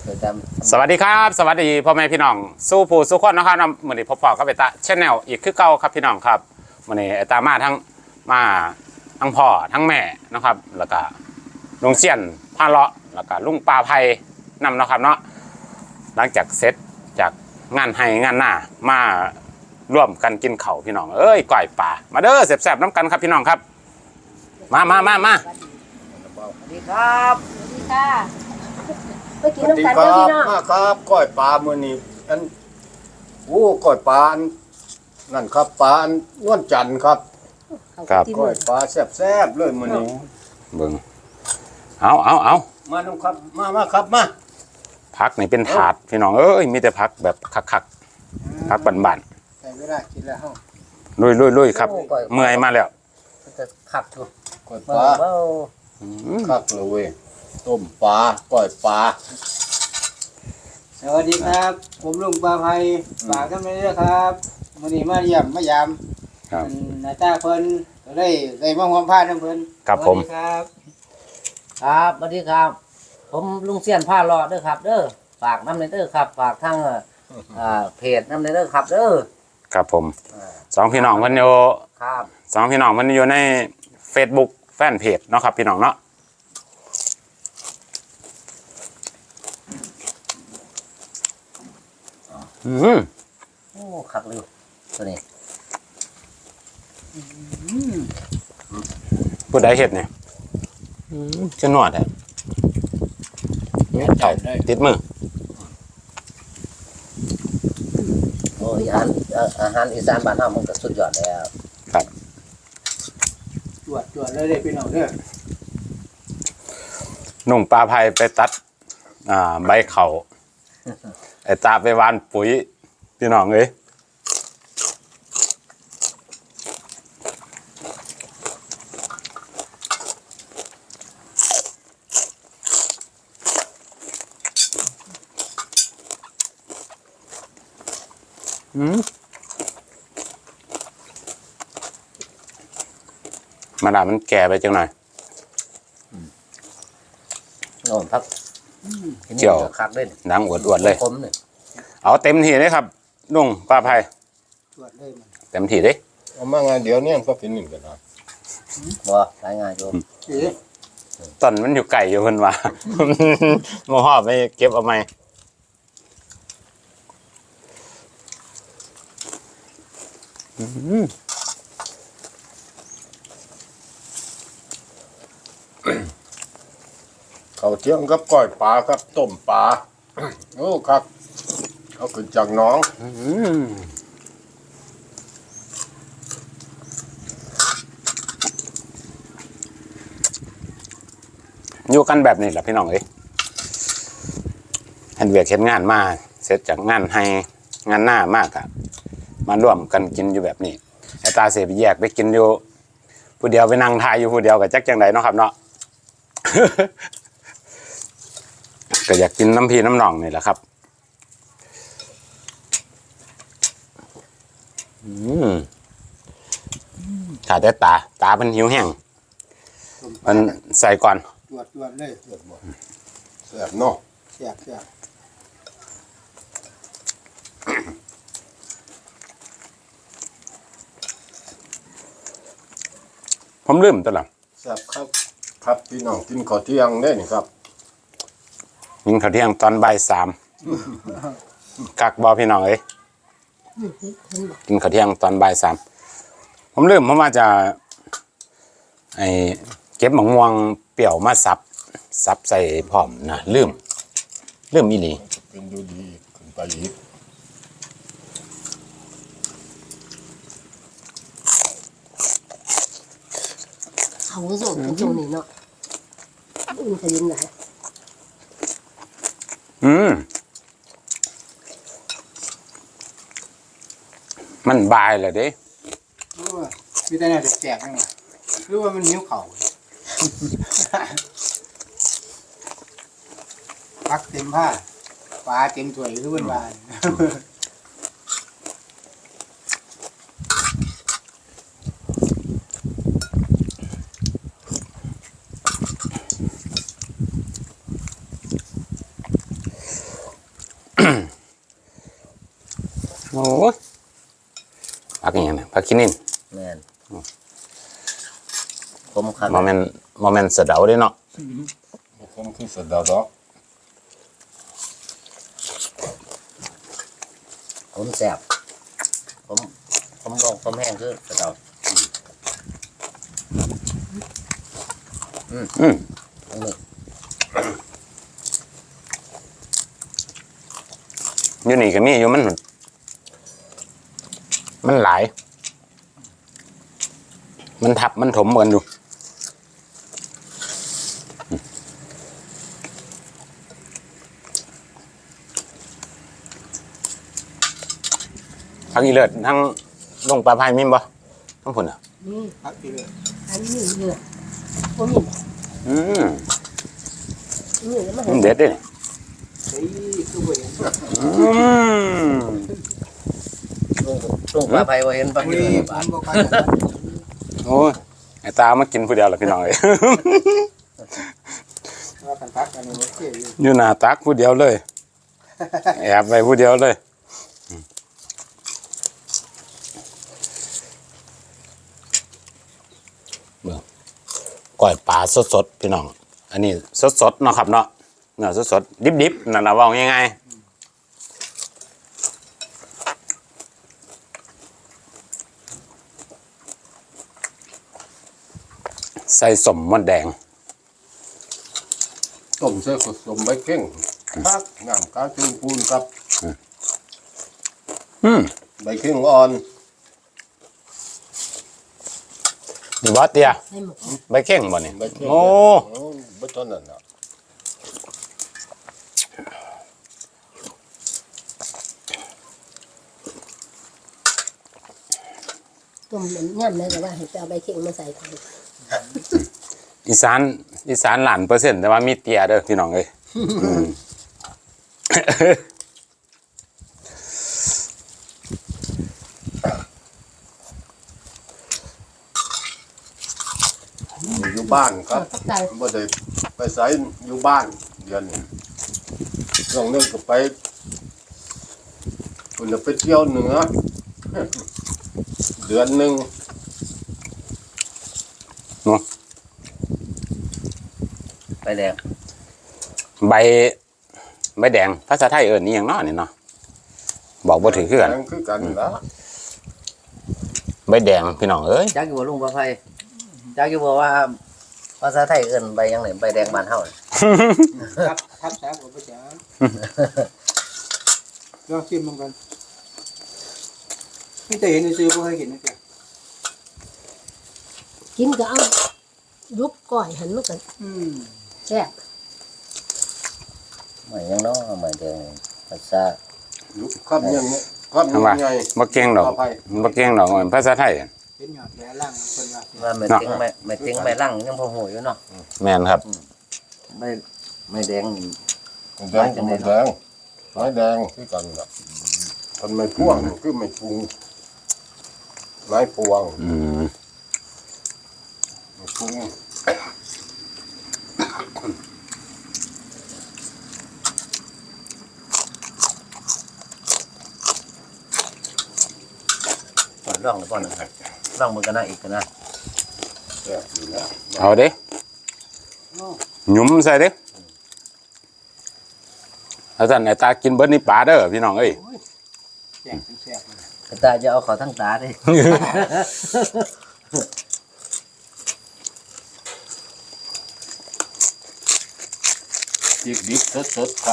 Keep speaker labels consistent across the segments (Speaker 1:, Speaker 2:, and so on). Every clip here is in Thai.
Speaker 1: สวัสดีครับสวัสดีพ่อแม่พี่น้องสู้ผู้สู้คนนะครับเหมือนที่พ่อก็ไปตาชแนลอีกคือเก่าครับพี่น้องครับวันนี้ตามาทั้งพ่อทั้งแม่นะครับแล้วก็ลุงเสียนพาเลาะแล้วก็ลุงปลาไผ่นำนะครับเนาะหลังจากเสร็จจากงานให้งานหน้ามาร่วมกันกินเข่าพี่น้องเอ้ยก่อยป่ามาเด้อแซ่บๆน้ำกันครับพี่น้องครับมาสวัสดีครับ
Speaker 2: สวัสดีค่ะไปกิน
Speaker 3: สวัสดี
Speaker 2: น้ำกัน
Speaker 3: ค
Speaker 2: เด้อ
Speaker 3: รับ
Speaker 2: พี่น้อง
Speaker 3: มาครับก้อยปลามื้อนี้อันก้อยปลานั่นครับปลานวลจันทร์ครับ
Speaker 1: ครับ
Speaker 3: ก้อยปลาแซ่บๆเลยมื้อนี้
Speaker 1: เบิ่งเอา
Speaker 3: มาน้องครับมาครับมา
Speaker 1: พักนี่เป็นถาดพี่น้องเอ้ยมีแต่พักแบบคักพักบั่น
Speaker 3: ใส่เวลากินแล้วเฮา
Speaker 1: ๆลุยครับเมื่อยมาแล้ว
Speaker 2: จะขับอยู่
Speaker 3: ก้อยปลาคักเลยเว้ยต้มปลาก้อยปลา
Speaker 4: สวัสดีครับ ผมลุงปลาไผ่ฝากกันไปด้วยครับวันนี้มาเยี่ยมมายาม
Speaker 1: ครับ
Speaker 4: หน้าตาเพิ่นก็ได้มาความพาทั้งเพิ่น
Speaker 1: ครับผม
Speaker 4: สวัสดีครับ
Speaker 2: ครับสวัสดีครับ ผมลุงเสียนผ้ารอเด้อครับ เด้อฝากน้ำในเด้อครับฝากทั้งเพจน้ำในเด้อครับเด้อ
Speaker 1: ครับผมสองพี่น้องเพิ่นอยู่
Speaker 2: ครับ
Speaker 1: สองพี่น้องเพิ่นอยู่ใน Facebook แฟนเพจเนาะครับพี่น้องเนาะ
Speaker 2: โอ้ขักเลยตัวนี้
Speaker 1: ผู้ใดเฮ็ดเนี่ยจะนวดแท้เต่าติดมือ
Speaker 2: โอ้ยอาหารอีสานบ้านเฮามันก็สุดยอดแล้ว
Speaker 1: ครับ
Speaker 4: จวดเลยเด้อพี่น้องเด้อ
Speaker 1: นุ่งปลาไผ่ไปตัดใบเขาไอ้ตาไปหวานปุ๋ยพี่น้องเอ้ยมาดามันแก่ไปจังหน่อย
Speaker 2: โน่นครับ
Speaker 1: เจียว
Speaker 2: คักเล่น
Speaker 1: หนังอวดๆเลย
Speaker 2: คมเนี่ย
Speaker 1: เอาเต็มที่เลยครับนุ่งปลาไผ่
Speaker 4: จวดเลยมัน
Speaker 1: เต็มที่เลย
Speaker 3: เอามาไงเดี๋ยวนี้ก็เป็นหนึ่งกันนะ
Speaker 2: บ่รายงานโยม
Speaker 4: เอ๊ะ
Speaker 1: ตอนมันอยู่ไก่อยู่คนว่า โมหอบไปเก็บเอาไหม
Speaker 3: เขาวเที่ยงกับก้อยปลาครับต้มปลาโอ้ครับเอาขึ้นจากหน้อง
Speaker 1: อยู่กันแบบนี้แหละพี่น้องเอ้ยเห็นเวียกเห็นงานมาเสร็จจากงานให้งานหน้ามากอะมาร่วมกันกินอยู่แบบนี้ไอ้ตาเสียไปแยกไปกินอยู่ผู้เดียวไปนั่งทายอยู่ผู้เดียวกับจักจังไดเนาะครับเนาะ ก็อยากกินน้ำพีน้ำหนองนี่แหละครับขาดแต่ตาเป็นหิวแห้งมันใส่ก่อน
Speaker 4: จวดเลย
Speaker 3: แซ่บเนาะ
Speaker 4: แซ่บ
Speaker 1: ผมลืมตัวละ
Speaker 3: แซ่บครับครับพี่น้องกินข้าวเที่ยงได้นี่ครับ
Speaker 1: ยิงข้าวเที่ยงตอนบ่ายสามกักบอพี่น้องเอ้ยกินข้าวเที่ยงตอนบ่ายสามผมลืมเพราะว่าจะไอเก็บหมะม่วงเปรี้ยวมาซับใส่พร้อมนะลืมอีหลี
Speaker 3: เป็นดูดีขึ้นไปอีก
Speaker 2: เขาก็ส่งเป็นช่วงนี้เนาะมันจะยินไหน
Speaker 1: มันบายเลยเด้
Speaker 4: ๆรู้ว่ามีแต่แนวแจกๆนั่นแหละรู้ว่ามันหิวเข่าพักเต็มผ้าปลาเต็มถ้วยรู้ว่าบ้าน
Speaker 1: อ้ยผักอหย่างนี้ผักขี้นิน
Speaker 2: แม่นผมครับ
Speaker 1: โมเมนต์เสะเดาเด้เนาะ
Speaker 3: ผมคือสะเดาดอก
Speaker 2: ผมแซ่บผมลองผมแห้งคือสะเดา
Speaker 1: อืม
Speaker 2: อันนี้
Speaker 1: อยู่นี่ก็มีอยู่มันหลาย มันทับมันถมเหมือนอยู่ทั้งอีเลิศทั้งลงปลาพายมิมบ่ทั้งผุนอ่ะ
Speaker 5: นี่
Speaker 4: พักทีเลย
Speaker 5: อันนี้เยอะผมเห็น
Speaker 1: อืม
Speaker 5: นี่แล้วมัน
Speaker 1: มันเด็ดเด้
Speaker 4: เฮ้ยคือบ่เห็น
Speaker 1: อืม
Speaker 2: ลุงปลาไผ่ว่าเห็นปลา
Speaker 4: อุ้
Speaker 2: เห็
Speaker 4: ย
Speaker 2: น
Speaker 4: ผ
Speaker 2: ปลาม
Speaker 4: บ่ค่อย
Speaker 1: โอ้ยไอ้ตามากินผู้เดียวเหรอพี่น้องเอ้ย
Speaker 4: ว่ากันพักอันนี้โอเคอยู่
Speaker 1: อยู่หน้าตักผู้เดียวเลย แอบไปผู้เดียวเลยเบิ่งก้อยปลาสดๆพี่น้อง อันนี้สดๆเนาะครับเนาะเนื้อสดๆดิบๆนั่นน่ะว่าง่ายๆใส่สมมดแดง
Speaker 3: ต้มใส่ผสมใบเก่งพักน้ำกาจูนปูนครับ
Speaker 1: อืม
Speaker 3: ใบเก่งอ่อน
Speaker 1: นี่บ่เตีย
Speaker 5: ให้หมด
Speaker 1: ใบเข่งบ่นี่
Speaker 3: ใบเก่ง
Speaker 1: โอ้
Speaker 3: บ่ต้นนั่นน่ะ
Speaker 5: ต้มน้ำย่ำเลยแต่ว่าให้ไปเอาใบเข่งมาใส่ถัง
Speaker 1: อีสานล้านเปอร์เซ็นต์แต่ว่ามีเตียเด้อพี่น้องเอ้ยอืม
Speaker 3: อยู่บ้านครับ
Speaker 5: ตักใจ
Speaker 3: บ่ได้ไปไสอยู่บ้านเดือนนี้ช่วงนึงก็ไปคุณจะไปเที่ยวเหนือ เดือนหนึง
Speaker 2: ไปแดง
Speaker 1: ใบแดงภาษาไทยเอิ้นนี่หยังเนาะนี่เนาะบอกบ่ถือคือกัน
Speaker 3: แดงคือกันละ
Speaker 1: ใบแดงพี่น้องเอ้ย
Speaker 2: จักอยู่บ่ลุงปลาไผ่จักอยู่บ่ว่าภาษาไทยเอิ้นใบหยังไงใบแดงบ้านเฮาน่ะ
Speaker 4: ครับทับแซ่บบ่ไปจ้าลองชิมมันกันพี่แต่เห็นซื้อบ่เคยเห็นนะจ๊ะ
Speaker 5: กินก็เอายุบก่อยหันมันกัน
Speaker 4: อืม
Speaker 5: แซ่บ
Speaker 2: ไม่ยังเนาะไม่แดงภาษา
Speaker 3: ลูกครับยังไงครับ
Speaker 1: ทำว่า
Speaker 3: ยังไง
Speaker 1: บ่เก่งดอก
Speaker 3: ปลาไผ่
Speaker 1: บ่เก่งดอกภาษาไทย
Speaker 4: เห็นยอดแหลล่างคนว่า
Speaker 2: ว่าไม่จริงไม่ลั่งยังพอหูอยู่เนาะ
Speaker 1: แม่นครับ
Speaker 2: ไม่แดงนี่
Speaker 3: แดงก็ไม่แดงไม้แดงคือกันละมันไม่พ่วงคือไม่ปรุงไม้พวง
Speaker 1: อืม
Speaker 3: ไม่ปรุง
Speaker 2: ร่องหรือเปล่านะครับร่องมันก็น่าอีกนะ
Speaker 3: แซ่บอยู่นะ
Speaker 1: เอาเด้หยุมใส่เด้ถ้าท่านไอ้ตากินเบิดนี่ปลาเด้อพี่น้องเอ้ย
Speaker 4: แซ่บแซ่บเลย
Speaker 2: แต่ตาจะเอาเขาทั้งตาดิ
Speaker 3: จิกดิบสดๆครับ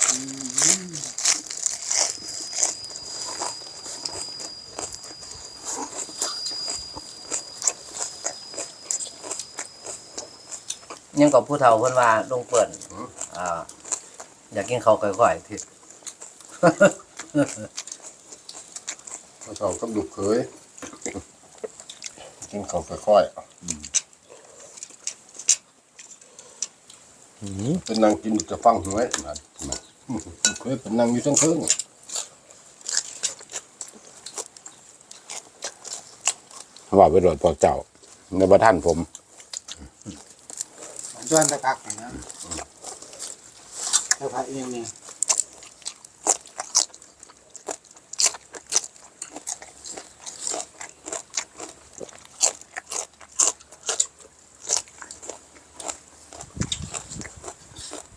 Speaker 2: ยังกับผู้เฒ่าเพิ่นว่าลุงเปิ่นอยากกินข้าวก่อยๆที่
Speaker 3: เขาชอบกับลูกเขยกินข้าวค่อยๆเป็นนางกินจะฟังหวยมันลูกเขยเป็นนางอยู่ทั้งคืน
Speaker 1: ว่าไปโดดพวกเจ้าในบ่ท่านผม
Speaker 4: ส่วนตะกักนะตะกักเองนี่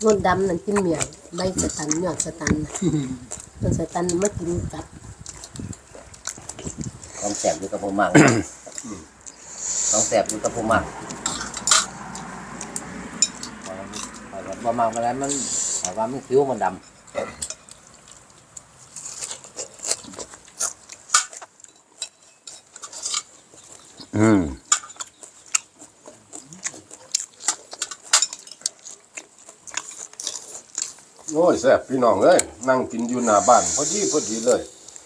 Speaker 5: รสดำนั่นกินเมียงใบสตันยอดสตันต้นสตันมากินกับ
Speaker 2: ของแสบอยู่กับผมมากของแสบอยู่กับผมมากพอมากไปแล้วมันแต่ว่ามันคิ้วมันดำ
Speaker 3: โอ้ยแซ่บพี่น้องเอ้ยนั่งกินอยู่หน้าบ้านพอดีเลย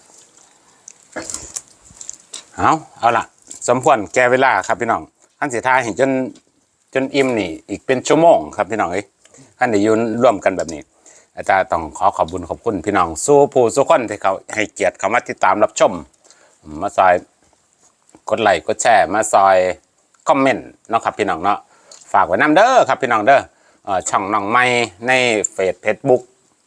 Speaker 1: เอาล่ะสมควรแก่เวลาครับพี่น้องท่านสิทายเห็นจนอิ่มนี่อีกเป็นชั่วโมงครับพี่น้องเอ้ยท่านได้ยืนร่วมกันแบบนี้ อาจารย์ต้องขอบคุญขอบคุณพี่น้องสู้ผู้สู้คนที่เขาให้เกียรติเขามาติดตามรับชมมาซอยกดไลค์กดแชร์มาซอยคอมเมนต์เนาะครับพี่น้องเนาะฝากไว้นำเด้อครับพี่น้องเด้อช่องน้องใหม่ในเฟซบุ๊ก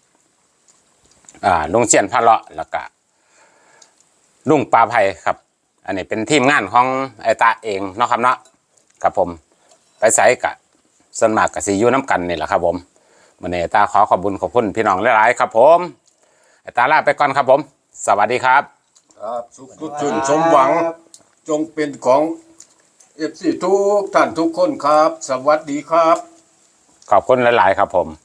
Speaker 1: ลุงเชียนพาเลาะแล้วก็ลุงปลาไผ่ครับอันนี้เป็นทีมงานของไอตาเองเนาะครับเนาะครับผมไปใส่กะส่วนมากกับซียูน้ำกันนี่แหละครับผมวันนี้ตาขอขอบคุณพี่น้องหลายๆครับผมไอตาลาไปก่อนครับผมสวัสดีครับ
Speaker 3: ครับสุขจุนสมหวังจงเป็นของFCทุกท่านทุกคนครับ สวัสดีครับ
Speaker 1: ขอบคุณหลายๆครับผม